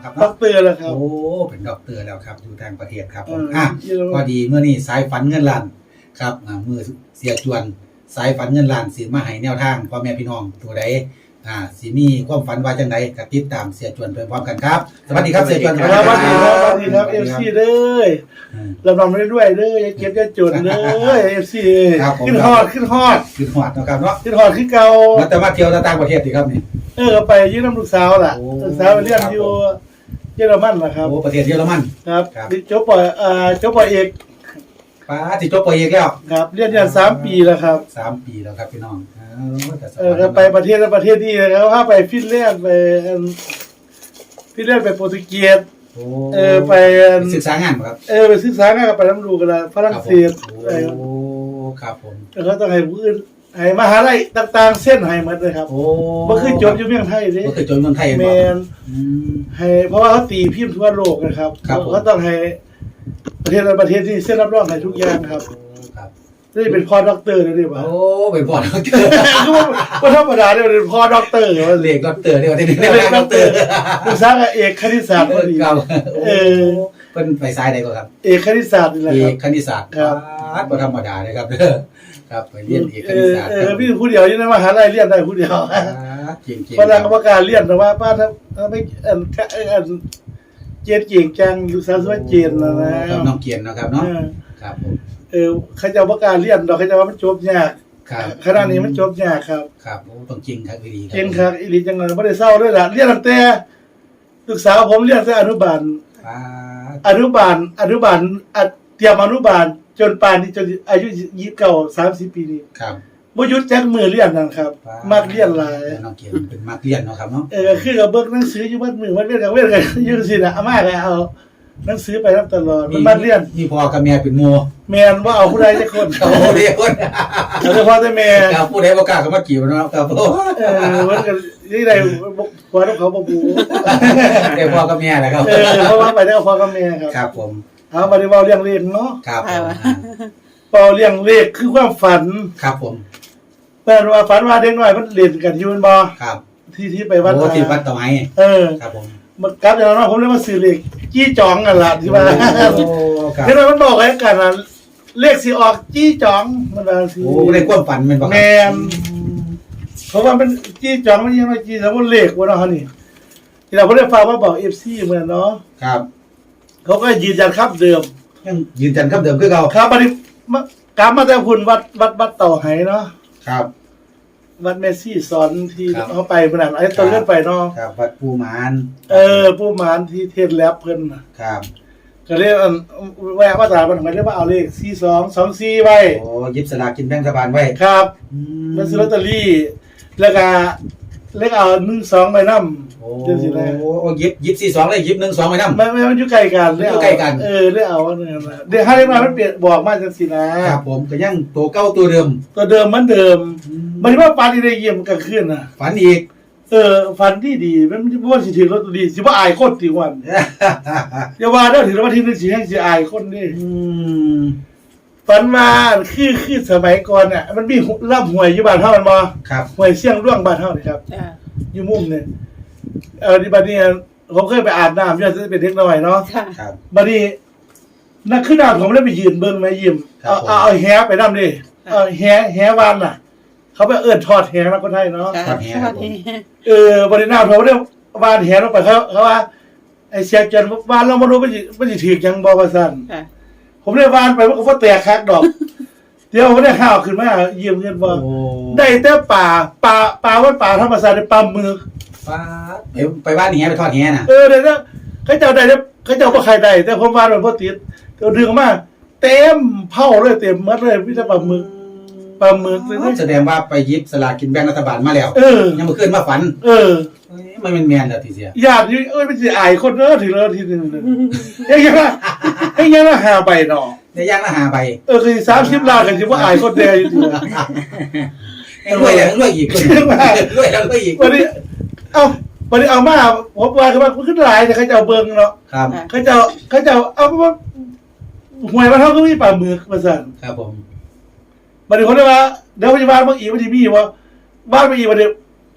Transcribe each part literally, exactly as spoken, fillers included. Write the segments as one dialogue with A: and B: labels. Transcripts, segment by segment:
A: นะครับ
B: ด็อกเตอร์แล้วครับ
A: โอ้เป็นด็อกเตอร์แล้วครับอยู่ต่างประเทศครับผมอ่ะพอดีเมื่อนี้สายฝันเงินล้านครับอ่ามือเสียจวนสายฝันเงินล้านสิมาให้แนวทางพ่อแม่พี่น้องตัวใดอ่าสิมีความฝันว่าจังไดก็ติดตามเสียจวนไปพร้อมกันครับสวัสดีครับเสียจวน
B: สวัสดีครับสวัสดีครับเอฟซีเด้อเราทำได้ด้วยเด้ออย่าเก็บอย่าจนเด้อเอฟซีขึ้นฮอดขึ้นฮอด
A: ขึ้นฮอดนะครับเนาะ
B: ขึ้นฮอดขึ้นเก่า
A: แล้วแต่มาเที่ยวต่างประเทศสิครับนี่
B: เออไปยืมน้ำลูกสาวล่ะลูกสาวไปเรียนอยู่เยอรมันล่ะครับ
A: โอ้ประเทศเยอรมัน
B: ครับจบปอ่าจบปเอก
A: ป้าสิจบปเอกแล้ว
B: ครับเรียนอยู่สามปีแล้วครับ
A: สามปีแล้วครับพี่น้อง
B: เออไปประเทศแล้วประเทศนี้แล้วถ้าไปฟินแลนด์ไปฟินแลนด์ไปโปรตุเกสเออไป
A: ศึกษางานครับ
B: เออไปศึกษางานกับไปน้ำดูกันละฝรั่งเศส
A: โอ้ครับผม
B: แล้วเขาต้องให้ผู้อื่นให้มหาลัยต่างๆเส้นให้หมดเลยครับ
A: โอ้
B: บ่คือจบอยู่เมืองไทยเด้
A: บ่คือจบเมืองไทย
B: แม่นให้เพราะว่าเขาตีพิมพ์ทั่วโลกนะครับเขาต้องให้ประเทศประเทศที่เซ็นรับรองให้ทุกอย่างครับนี่เป็นพ่อด็อกเตอร์เลยดิบ่า
A: โอ้เป็นพ่อด็อกเตอร์
B: ก็ธรรมดาเนี่ยเป็นพ่อด็อกเตอร์ว่า
A: เรียกด็อกเตอร์เนี่ยว่าที่นี่เรียกด็อกเตอร์
B: ลูกสาวเอกคณิตศาสตร์พอดี
A: ครับ
B: เออ
A: เพิ่นไปสายใดก็ครับ
B: เอกคณิตศาสตร์นี่แหละครับ
A: เอกคณิตศาสตร์ครับบ่ธรรมดาเลยครับเด้อครับไปเรียนเอกคณิตศาสตร์
B: เออพี่ผู้เดียวอยู่ในมหาลัยเรียนได้ผู้เดียว
A: จริงๆ
B: พนักกรรมการเรียนแต่ว่าป้าถ้าไม่อันอันเจนเก่งจังลูกสาวสวยเจนนะนะ
A: น้องเกียนนะครับเนาะครับผม
B: เออเขาจะประกาศเรียนดอกเขาจะว่ามันจบยากขณะนี้มันจบยากครับ
A: ครับโอ้ต้องจริงครับอีหลี
B: จริงครับอีหลีจังเลยไม่ได้เศร้าด้วยล่ะเรียนตั้งแต่ศึกษาผมเรียนแต่อนุบาลอนุบาลอนุบาลเตรียมอนุบาลจนป่านนี้จนอายุยี่สิบเก้า สามสิบปีนี้
A: ครับ
B: บ่หยุดจักมือเรียนนั่นครับมักเรียนหลาย
A: น้องเกียนเป็นมักเรียนเนาะครับเนาะ
B: เออคือกับเบิ่งหนังสืออยู่บัดมือมันเว้นกับเว้นกันอยู่สิน่ะอาม่าก็เอาหนังสือไปรับตลอดมันมาเรียน
A: มีพ่อกับแม่เป็นหมู่
B: แม่นว่าเอาผู้ใดสักคน
A: เขาเดียวคน
B: เอาเฉพาะแต่แม่
A: ครับผู้ใดบ่กล้าก็มาจีบเนาะครับเ
B: ออมันก็นี่ได้พ่อเขาบ่บู
A: ได้พ่อกับแม่แหละครับ
B: เออเพราะว่าไปได้กับพ่อกับแม่ครับ
A: ครับผม
B: เอามาได้เว้าเรื่องเลขเนาะ
A: ครับผม
B: เว้าเรื่องเลขคือความฝัน
A: ครับผม
B: แม่ว่าฝันว่าเด็กน้อยมันเล่นกันอยู่แม่นบ่
A: ครับ
B: ที่ที่ไปวัด
A: โอ้ที่วัดตะไม้
B: เออ
A: ครับผม
B: มันกลับจากนั้นผมเลยมาซื้อเลขจี้จองกันล่ะที่ว่าโอ้ครับเห็นมันบอกไว้กันน่ะเลขสิออกจี้จองมันว่าสิ
A: โอ้ในความฝันแม่นบ่ครับ
B: แม่นเพราะว่ามันจี้จองมันยังว่าจี้แล้วมันเลขบ่เนาะฮะนี่ที่เราบ่ได้ฝากมาบอก เอฟ ซี เหมือนเนาะ
A: ครับ
B: เขาก็ยืนยันครับเดิม
A: ยังยืนยันครับเดิมคือเก่า
B: ครับบัดนี้กลับมาแต่พุ่นวัดวัดวัดเต่าไหเนาะ
A: ครับ
B: วัดเมซี่สอนที่เขาไปขนาดไอ้ตอนเลื่อนไปเนาะ
A: ครับวัดปูหมาน
B: เออปูหมานที่เทศแลบเพิ่น
A: ครับ
B: ก็เรียกแวะมาตรามันหมายถึงว่าเอาเลขสี่สองสองสี่ไว้
A: โอ้ยิบสลากกินแบ่งรัฐบาลไว้
B: ครับมันซื้อลอตเตอรี่แล้วก็เลขเอาหนึ่งสองไปนำ
A: โอ้โอ้ยิบยิบสี่สองเลยยิบหนึ่งสองไปนำ
B: ไม่ไม่มันอยู่ใกล้กัน
A: อยู่ใกล้กัน
B: เออได้เอาอันนั้นน่ะเดี๋ยวให้มามันเปลี่ยนบอกมาจังซี่นะครับ
A: ผมก็ยังตัวเก่าตัวเดิม
B: ตัวเดิมเหมือนเดิมมันว่าฝันได้เยี่ยมกลางคืนน่ะ
A: ฝันอีก
B: เออฝันที่ดีมันบ่ว่าสิถือลอตเตอรี่สิบ่อายคนติวันอย่าว่าเด้อถือว่าที่นึงสิแฮงสิอายคนนี่อืมฝันมาคือคือสมัยก่อนน่ะมันมีลำห้วยอยู่บ้านเฮามันบ่
A: ครับ
B: ห้วยเสียงร่วงบ้านเฮานี่ครับจ้ะอยู่มุมนี่เออที่บัดนี้ผมเคยไปอาบน้ำอยู่จะเป็นเด็กน้อยเนาะ
A: ครับ
B: บัดนี้นักขึ้นน้ำผมเลยไปยืนเบิ่งแม่ยิ้มเอาเอาเอาแหไปนำดิเอาแหแหวานน่ะเขาไปเอิ้นทอดแหนะคนไทยเนาะ
A: ทอดแห
B: เออบัดนี้น้ำผมได้วานแหลงไปเขาเขาว่าไอ้เสียจันวานเราบ่รู้มันสิมันสิถูกจังบ่ว่าซั่นผมได้วานไปมันก็บ่แตกคักดอกเดี๋ยวผมได้ข้าวขึ้นมายิ้มเงินบ่ได้แต่ป่าป่าป่าว่าป่าธรรมชาติได้ปลาหมึก
A: ปลาไปไปบ้านแหไปทอดแหน่ะ
B: เออเดี๋ยวเขาเจ้าได้เขาเจ้าบ่ใครได้แต่ผมวานมันบ่ติดก็ดึงมาเต็มเผาเลยเต็มหมดเลยมีแต่ปลาหมึกปลาหมึก
A: แสดงว่าไปยิบสลากกินแบ่งรัฐบาลมาแล้วยังบ่ขึ้นมาฝัน
B: เออ
A: มันเป็นแม่นแล้วทีเสีย
B: ญาติเอ้ยมันสิอายคนเด้อถึงแล้วทีนึงเฮ้ยยังว่าเฮ้ยยังว่าหาใบเนาะ
A: ได้ย่างละห้าใบ
B: เออคือสามสิบล้านก็สิบ่อายคนแดอยู่ติ
A: รวยแล้วรวยอีกรวยแล้วรวยอีก
B: วันนี้เอ้าวันนี้เอามาผมว่าคือว่าขึ้นหลายแต่เขาจะเอาเบิ่งเนาะ
A: ครับ
B: เขาจะเขาจะเอาว่าหวยมาเท่าก็มีปลาหมึกว่าซั่น
A: ครับผม
B: บัดนี้คนได้ว่าเดี๋ยวพยาบาลบางอีกบ่สิมีว่าบ้านบางอีกบ่ได้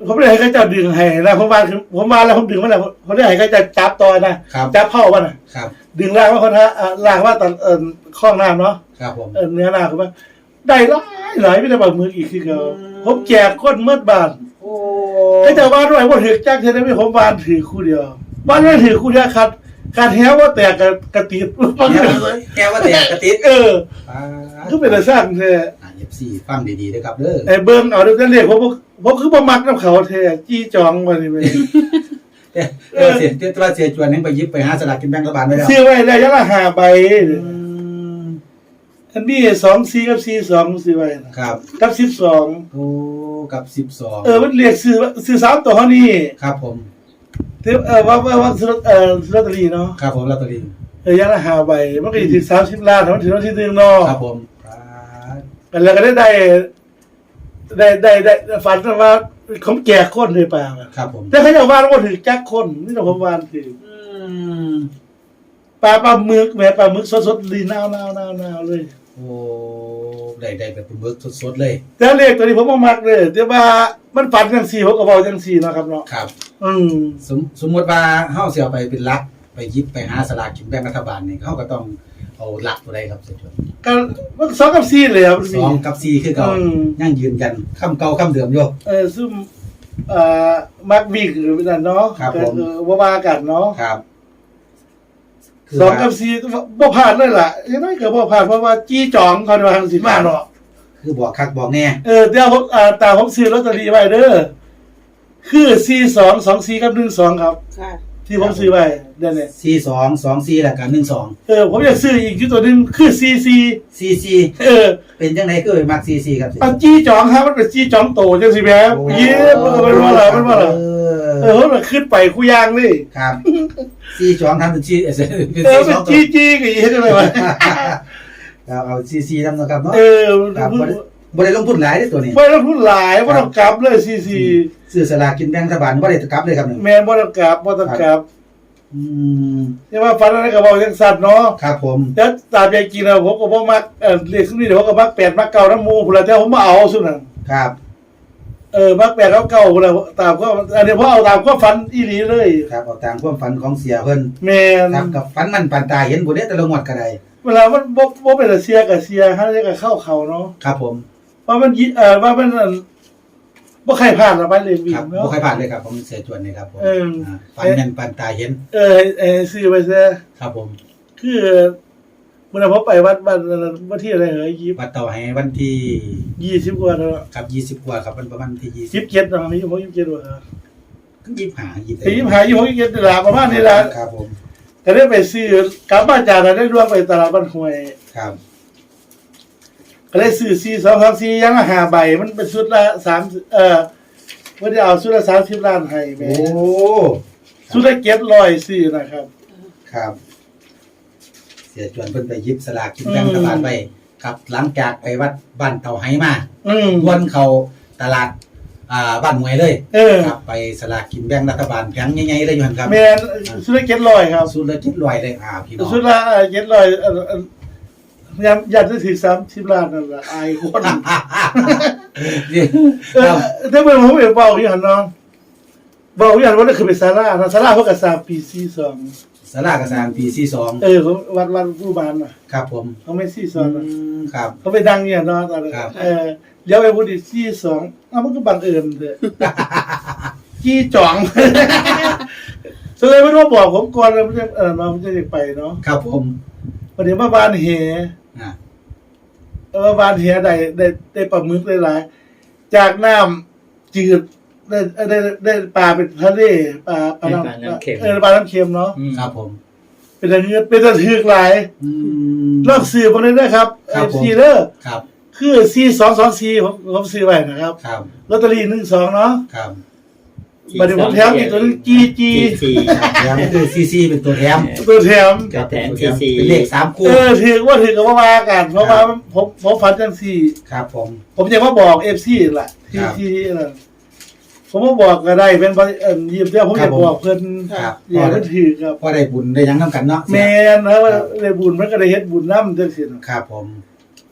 B: ผมได้ให้เขาเจ้าดึงให้นะผมมาคือผมมาแล้วผมดึงมาแล้วผมได้ให้เขาเจ้าจับต่อนะครับ จับเข้าว่าน่ะ
A: ครับ
B: ดึงล่างว่าคนฮะอ่าล่างว่าตอนเอ่อข้องน้ำเนาะ
A: ครับผม
B: เออเนื้อหน้าเขาว่าได้หลายหลายไม่ได้บอกมืออีกคือเขาผมแจกก้นเมื่อบาน
A: โอ้
B: ให้เจ้าบ้านด้วยว่าถือจ้างเท่านั้นไม่ผมบ้านถือคู่เดียวบ้านไม่ถือคู่เดียวขาดการแหวว่าแตกกับกระติด
A: แกว่าแกว่าแต่กระติด
B: เออ
A: อ่า
B: ก็เป็นอะไรสร้างแท้
A: อ่าเอฟซีฟังดีๆด้วยครับเด้อ
B: ไอ้เบิ้งเอาเดี๋ยวจะเรียกผมผมคือบ่มักน้ำเขาแท้จี้จองมานี่ไป
A: แต่แต่ว่าเสียแต่ว่าเสียจวนนึงไปยิบไปหาสลากกินแบ่งรัฐบาลไว้แล้ว
B: ซื้อไว้แล้วยังละห้าใบ
A: อืม
B: อันนี้สองสี่กับสี่สองซื้อไว้นะครับ กับสิบสอง
A: โอ้กับสิบสอง
B: เออมันเรียกซื้อซื้อสามตัวเท่านี้
A: ครับผม
B: เทปเออว่าว่าว่าซื้อเออซื้อลอตเตอรี่เนาะ
A: ครับผมลอตเตอรี่
B: เออยังละห้าใบมันก็อยู่ที่สามสิบล้านมันถึงวันที่หนึ่งเนาะ
A: ครับผมครับ
B: กันแล้วก็ได้ได้ได้ได้ได้ฝันว่าเขาแจกคนเลยป่า
A: ครับผม
B: แต่เขาจะว่าว่าถือแจกคนนี่เราผมวานถือ
A: อืม
B: ปลาปลาหมึกแม่ปลาหมึกสดๆลีนาวๆๆๆเลย
A: โอ้ได้ได้แบบเป็นเบิร์กสดๆเลย
B: แต่เลขตัวนี้ผมบ่มักเลยแต่ว่ามันฝันจังซี่ผมก็เว้าจังซี่เนาะครับเนาะ
A: ครับ
B: อืม
A: สมสมมติว่าเฮาสิเอาไปเป็นหลัก ไปยิบไปหาสลากกินแบ่งรัฐบาลนี่เฮาก็ต้องเอาหลักตัวใดครับเสียจวน
B: ก็มันสองกับสี่เลยครับ
A: สองกับสี่คือเก่า
B: อืม
A: ยังยืนยันคำเก่าคำเดิมอยู่
B: เออซึ่งเอ่อมักวิกหรือนั่นเนาะ
A: ครับผม
B: เออบ่ว่ากันเนาะ
A: ครับ
B: สองกับสี่บ่พลาดเลยล่ะยังไงก็บ่พลาดเพราะว่าจี้จองเขาว่าทางสิมาเนาะ
A: คือบอกคักบอกแน่
B: เออเดี๋ยวผมอ่าตาผมซื้อลอตเตอรี่ไว้เด้อคือสี่สอง สองสี่กับหนึ่งสองครับ
C: ค่ะ
B: ที่ผมซื้อไว้เดี๋ยวนี้
A: สี่สองสองสี่แล้วก็หนึ่งสอง
B: เออผมอยากซื้ออีกอยู่ตัวหนึงคือสี่สี่
A: สี่สี่
B: เออ
A: เป็นจังไดคือไปมักสี่สี่ครับ
B: อันจี้จองครับมันเป็นจี้จองโตจังสิแม่เย้เออมันว่าล่ะมันว่าล่ะ
A: เอ
B: เอ
A: อ
B: อมันขึ้นไปคู่ย่างนี่
A: ครับสี่สองทำเป็นสี่เออเป็น
B: เออ
A: สี่
B: เป็
A: ส
B: น
A: องตัว
B: จี้จี้ก็อีเฮ็ดจังไดวะ
A: เราเอาสี่สี่ทำนะครับเนาะ
B: เออ
A: ครับบ่ได้บ่ได้ลงทุนหลายเด้อตัวนี้
B: บ่ต้องพูดหลายบ่ต้องกลับเลยสี่สี่
A: ซื้อสลากกินแบ่งรัฐบาลบ่ได้กลับเลยครับนี่
B: แม่นบ่ต้องกลับบ่ต้องกลับ
A: อืม
B: แต่ว่าฝันอะไรก็เว้าจังซั่นเนาะ
A: ครับผม
B: แล้วตามใจจริงแล้วผมก็บ่มักเอ่อเลขซุนี้เดี๋ยวผมก็มักแปดมักเก้าน้ำหมู่พุ่นล่ะแต่ผมบ่เอาซุนั่น
A: ครับ
B: เออมักแปดกับเก้าพุ่นล่ะตามก็อันนี้ผมเอาตามความฝันอีหลีเลย
A: ครับเอาตามความฝันของเสียเพิ่น
B: แม่น
A: ครับกับฝันมันปานตาเห็นบ่ได้แต่ละงวดก็ได้
B: เวลามันบ่บ่เป็นแต่เสียก็เสียหาได้ก็เข้าเขาเนาะ
A: ครับผม
B: ว่ามันยิเอ่อว่ามันอั่นบ่ใครพลาดละไปเลยวิ่
A: ครั
B: ง
A: บ
B: เนาะ
A: บ่เคยผ่านเลยครับผมเสียจวนนี่ครับผม
B: เอออ่
A: าฝันแม่นปานตาเห็น
B: เออให้ให้ซื้อไปซะ
A: ครับผม
B: คือเมื่อผมไปวัดบ้านวันที่อะไรเหรอยี่
A: วัดเต่าให้วันที่
B: ยี่สิบกว่าเนาะ
A: ครับยี่สิบกว่าครับมันประมาณที่ยี่
B: สิ
A: สิ
B: บบ เจ็ดเนาะนี่ผมยี่สิบเจ็ดว่า
A: ยี่สิบห้ายี่สิบ
B: ไอ้ยี่สิบห้ายี่สิบหกยี่สิบเจ็ดนี่ล่ะประมาณนี้ล่ะ
A: ครับผม
B: ก็ได้ไปซื้อกลับบ้านจากนั้นได้ร่วมไปตลาดบ้านห้วย
A: ครับ
B: ก็ได้ซื้อสี่สองสามสี่ยังละห้าใบมันเป็นชุดละสามเอ่อว่าได้เอาชุดละสามสิบล้านให้แม่
A: โอ้
B: ชุดละเจ็ดร้อยสี่นะครับ
A: ครับ เสียจวนเพิ่นไปหยิบสลากกินแบ่งรัฐบาลไปครับหลังจากไปวัดบ้านเต่าไห้มา
B: อืม
A: วนเขาตลาดอ่าบ้านหวยเลย
B: เออ
A: ครับไปสลากกินแบ่งรัฐบาลแผงใหญ่ๆเลยอยู่หั่นครับ
B: แม่นชุดละเจ็ดร้อยครับ
A: สุดละเจ็ดร้อยเลยอ่าพี่น้อง
B: ชุดละเจ็ดร้อยเอ่อเอ่อยามอยากจะถึงสามสิบล้านนั่นล่ะอายคน
A: นี่
B: เอ
A: ค
B: อ
A: รับ
B: ถ้าเป็นผมเห็นเบาอยู่หันเนาะเบาอยู่หันว่านั่นคือเป็นซาร่านะซาร่าเพิ่งกับสามปีสี่สอง
A: สลากกระสานปีสี่สอง
B: เออเขาวัดวัดผู้บานน่ะ
A: ครับผม
B: เขาไม่สี่ส
A: อื
B: องนะ
A: มครับ
B: เขาไปดังเนี่ยเนาะตอนนั้น
A: ครับ
B: เออเดี๋ยวไปพูดอีกสี่สองอ้าวมันก็บังเอิญเถอะจี้จ่อง แสดงว่าต้องบอกผมก่อนเลยไม่ใช่เออเราไม่ใช่ไปเนาะ
A: ครับผม
B: วันนี้มาบานเห
A: อ่า
B: เออบานเหได้ได้ได้ปลาหมึกได้หลายจากน้ำจืดได้ได้ได้ปลาเป็นทะเลปลาปลาน้ำเออปลาน้ำเค็มเนาะ
C: อืม
A: ครับผม
B: เป็นอะไรเงี้ยเป็นตะถือกหลาย
A: อืม
B: ลอกซื้อมาเลยนะครับ
A: ครั
B: เอบ
A: ผม
B: ซีเดอร์
A: ครับ
B: คือซีสองสองซีผมผมซื้อไว้นะครับ
A: ครับ
B: ลอตเตอรี่หนึ่งสองเนาะ
A: ครับ
B: บัดนี้ผมแถมอีกตัวหนึงจีจี
C: จี
A: แถมคือซีซีเป็นตัวแถม
B: ตัวแถม
C: ก็แทนซีซี
A: เป็นเลขสามคู่
B: เออถือว่าถือกับว่าว่ากันเพราะว่าผมผมฝันจังสี่
A: ครับผม
B: ผมจะมาบอกเอฟซีแหละที่
A: ครับ
B: ที่นั่นผมมาบอกก็ได้เป็นเอ่อยิบเดียวผม
A: ครั
B: จะ
A: บผม
B: บอกเพิ่น
A: ครับ
B: อย่าเพิ่นถือครับ
A: พอได้บุญได้หยังน้ำกันเนาะ
B: แมนนะว่าได้บุญมันก็ได้เฮ็ดบุญน้ำจังซี่นะครับ
A: ผม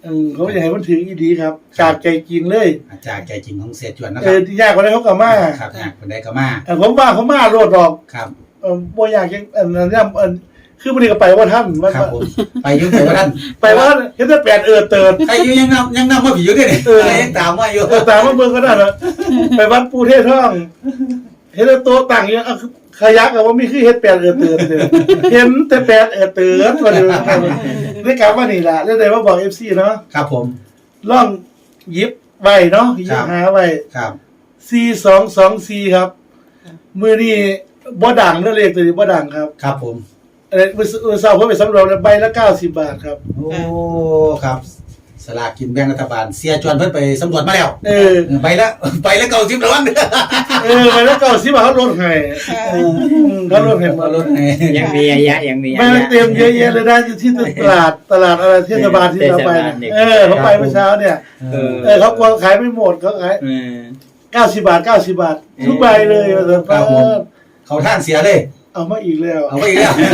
B: เออเขาอยากให้มันถึงอีดีครับจากใจจริงเลย
A: จากใจจริงของเสียจวนนะค
B: เอ
A: รับ
B: อที่ยากกว่านั้นเขาก็มา
A: ครับอยากคนใดก็มา
B: เออผมว่าเขามาโลดดอก
A: ครับ
B: เออบ่อยากยังอันนั้นเนี่ยอันคือมันก็ไปว่าท่านว่า
A: ครับผมไปอยุ่งไปว่าท่าน
B: ไปว่าเห็นแต่แปดเออเติร์ด
A: ใครอยู่ยังนำยังนำมาผีอยู่ด้วยนี่
B: เออ
A: ยังตามมาอยู่
B: เออตามมาเบิ่งก็ได้นะไปวัดปูเทศท่อง เห็นแต่โต๊ะตั้งอยู่เอาขยักอะว่ามีคือเฮ็ดแปดเออเติร์ดเลยเห็นแต่แปดเออเติร์ดว่าเดิมได้กลับมานี่ล่ะแล้วได้มาบอก เอฟ ซี เนาะ
A: ครับผม
B: ลองหยิบไว้เนาะหยิ
A: ครับ บ
B: หาไว้
A: ครับ
B: สี่สองสองสี่ครับมื้อนี้บ่ดังเด้อเลขตัวนี้บ่ดังครับ
A: ครับผม
B: เออมื้อมื้อเช้าผมไปสำรวจแล้วใบละเก้าสิบบาทครับ
A: โอ้ครับสลากกินแบ่งรัฐบาลเสียจวนเพิ่นไปสำรวจมาแล้ว
B: เออ
A: เออไปแล้วไปแล้วเก่าสิบระวังเด้อ
B: เออใบละเก้าสิบบาทเขาลดให้
A: เออ
B: อืมเขาลดให้หมด
A: รถให้
C: ยังมีระยะยังมีระ
B: ไม่
C: ยะ
B: เต็มเยอะแยะเลยนะที่ตลาดตลาดอะไรเทศบาลที่เราไปเนี่ยเออเขาไปเมื่อเช้าเนี่ย
A: เออ
B: เออเขากลัวขายไม่หมดเขาขาย
C: เออ
B: เก้าสิบบาทเก้าสิบบาททุกใบเลยว่าแต่
A: ครับผม เขาท่านเสียเลย
B: เอามาอีกแล้ว
A: เอาไปอีกแล้ว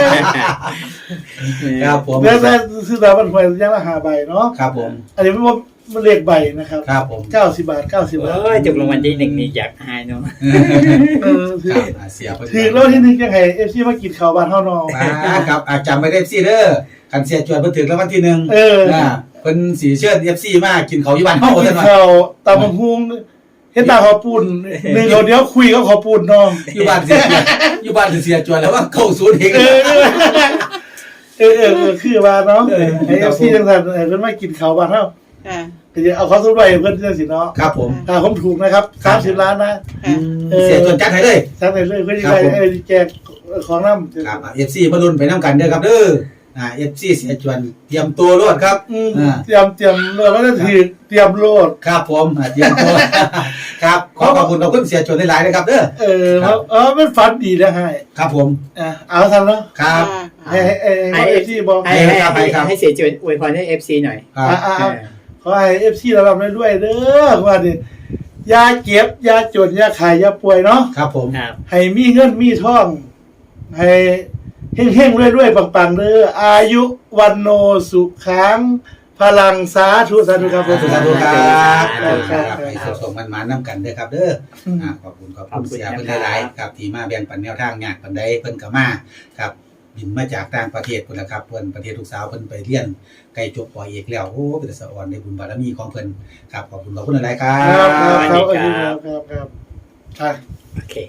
A: ครับผม
B: แล้วแต่ซื้อตามมันหวยยังละห้าใบเนาะ
A: ครับผม
B: อันนี้ไม่ว่ามันเลขใบนะครับ
A: ครับผม
B: เก้าสิบบาทเก้าสิบบาท
C: โอ้ยจุกรางวัลที่หนึ่งนี่อยากหายเนาะ
B: เออถือ
A: ครับอ่าเสียเพิ่น
B: ถือแล้วที่นึงยังไงเอฟซีมากินข้าวบ้านเท่านอง
A: อ่าครับอ่าจำไปได้สิเด้อคันเสียจวนเพิ่นถึงแล้ววันที่หนึ่ง
B: เออ
A: อ่าเพิ่นสีเชิด เอฟ ซี มากินเขาวอยู่บ้านเฮา
B: กิ
A: ซั่
B: น
A: นว่า
B: ข้าวตามมะฮุงเฮ็ดตาขอปูนหนึ่งเอาเดี๋ยวคุยกับขอปูนน้อง
A: อยู่บ้านเสียจวนอยู่บ้านเสียจวนแล้วว่าเข้าศูนย์เอง
B: เออเออเออเออคือว่าเนาะ
A: เออ
B: ไอเอฟซีจังสันเออเพิ่นมากินข้าวบ้านเฮา
D: ค่ะ
B: ก็จะเอาเขาสุดไว้เพิ่นจังสิเนาะ
A: ครับผม
B: ถ้าผมถูกนะครับสามสิบล้านนะ
D: ค่ะ
B: เออ
A: เสียจวนจัดให้เลย
B: ทั้งในเลยเพิ่นสิ
A: ครับ
B: ได้
A: ผม
B: เออแจกของนำ
A: ครับเอฟซีมาลุ้นไปน้ำกันเด้อครับเด้ออ่าเอฟซีเสียจวนเตรียมตัวรวดครับ
B: อืม
A: อ่า
B: เตรียมเตรียมโลดแล้วก็ถือเตรียมโลด
A: ครับผมอ่าเตรียมตัว ครับขอขอบคุณขอบคุณเสียจวนหลายๆนะครับเด้อ
B: เออ
A: ครับ
B: เออมันฝันดีนะให้
A: ครับผม
B: อ่ะเอาทันเนาะ
A: ครับ
B: ให้ให้ให้ให้เอฟซีบอก
C: ให้ให้
A: ครับ
C: ให้
A: ครับ
C: ให้เสียจวนอวยพรให้เอฟซีหน่อย
A: ครับ
B: อ่ะอ่ะ
C: เอ
B: อ่ะ
C: อ
B: ขอให้เอฟซีเราลำได้ด้วยเด้อว่าดิยาเก็บยาจนยาขายยาป่วยเนาะ
A: ครับผม
C: ครับ
B: ให้มีเงินมีทอง ให้เฮงๆรวยๆปังๆเด้ออายุวันโนสุขังพลังสาธุสาธุครับผม
A: สาธุครับ
B: ครับ
A: ค
B: ครั
A: รั
B: บบ
A: ให้ส่งๆมันๆน้ำกันเด้อครับเด้ออ่าขอบคุณขอบคุณเสียเพิ่นหลายๆครับที่มาแบ่งปันแนวทางยากปานใดเพิ่นก็มาครับบินมาจากต่างประเทศพุ่นล่ะครับเพิ่นประเทศลูกสาวเพิ่นไปเรียนใกล้จบปอเอกแล้วโอ้เป็นสะอ่อนในบุญบารมีของเพิ่นครับขอบคุณขอบคุณหลายๆครั
B: ครับครับ
A: บ
B: ครับครับครับครับครับ
C: โอเค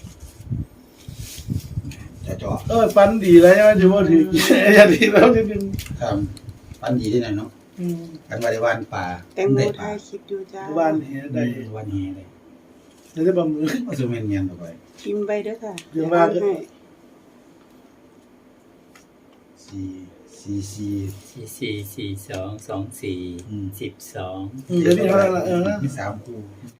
A: จะจ่อ
B: เออฟันดีแล้วใช่ไหมถือว่าถืออย่าดีแล้วจริง
A: ครับปันดีได้หน่อยเนาะ
B: ๆอืม
A: กันว่าได้วานป่า
D: แตงโม
A: ได้ป
D: ถ่า
A: ลาย
D: คลิปอยู่จ้า
B: บ้านเหี้ย
A: ได้
B: ได้
A: วันนี้เลย
B: เดี๋ยวได้บะมือ
A: ว่าสิแม่นเมียนต่อไป
D: พิมพ์ไปเด้อค่ะ
B: เดี๋ยวว่า
D: ให้
A: สี่สี่สี่
C: สี่สี่สี่สองสองสี่
A: อืม
C: สิบสอง
B: อืมเดี๋ยวนี้เท่านั้นละเออนะ
A: มีสามคู่